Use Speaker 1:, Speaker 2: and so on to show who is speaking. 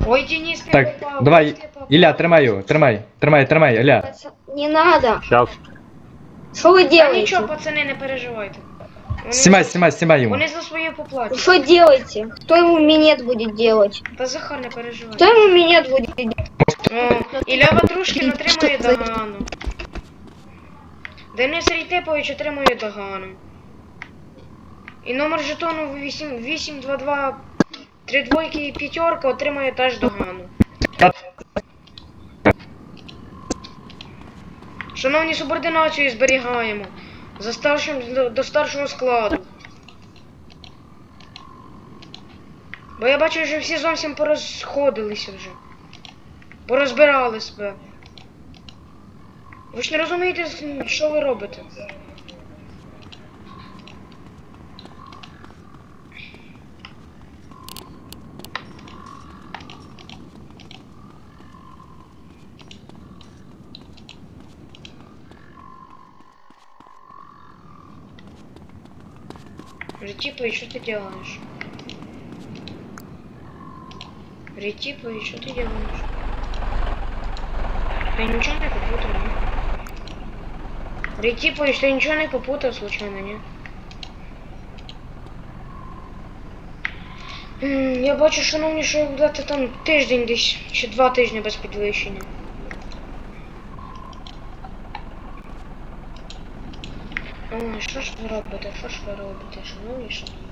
Speaker 1: Ой, Денис, ты
Speaker 2: Так,
Speaker 1: попал,
Speaker 2: давай,
Speaker 1: ты попал.
Speaker 2: Ілля, тримай його, тримай, Ілля.
Speaker 3: Не надо.
Speaker 4: Сейчас.
Speaker 3: Что вы
Speaker 1: Да
Speaker 3: делаете?
Speaker 1: нічого, пацани, не переживайте.
Speaker 2: Знімай йому.
Speaker 1: Вони за своє поплатять.
Speaker 3: Что делаете? Кто ему минет будет делать?
Speaker 1: Та Захар, не переживай.
Speaker 3: Кто ему минет будет делать?
Speaker 1: О, Ілля Ватрушкін отримує догану. Денис Рейтепович отримує догану. І номер жетону 822 3 двойки і п'ятерка отримує теж догану. Шановні, субординацію зберігаємо. До старшого складу. Бо я бачу, що всі зовсім порозходилися вже. Порозбирали себе. Ви ж не розумієте, що ви робите? Ретипович, что ты делаешь? Ретипович, что ты делаешь? Ты ничего не попутал, не? Ретипович, ты ничего не попутал случайно, не? Я бачу, шановні, що буде там тиждень десь, чи 2 тижні без підвищення. Ой, що ж ви робите, шановні, шановні?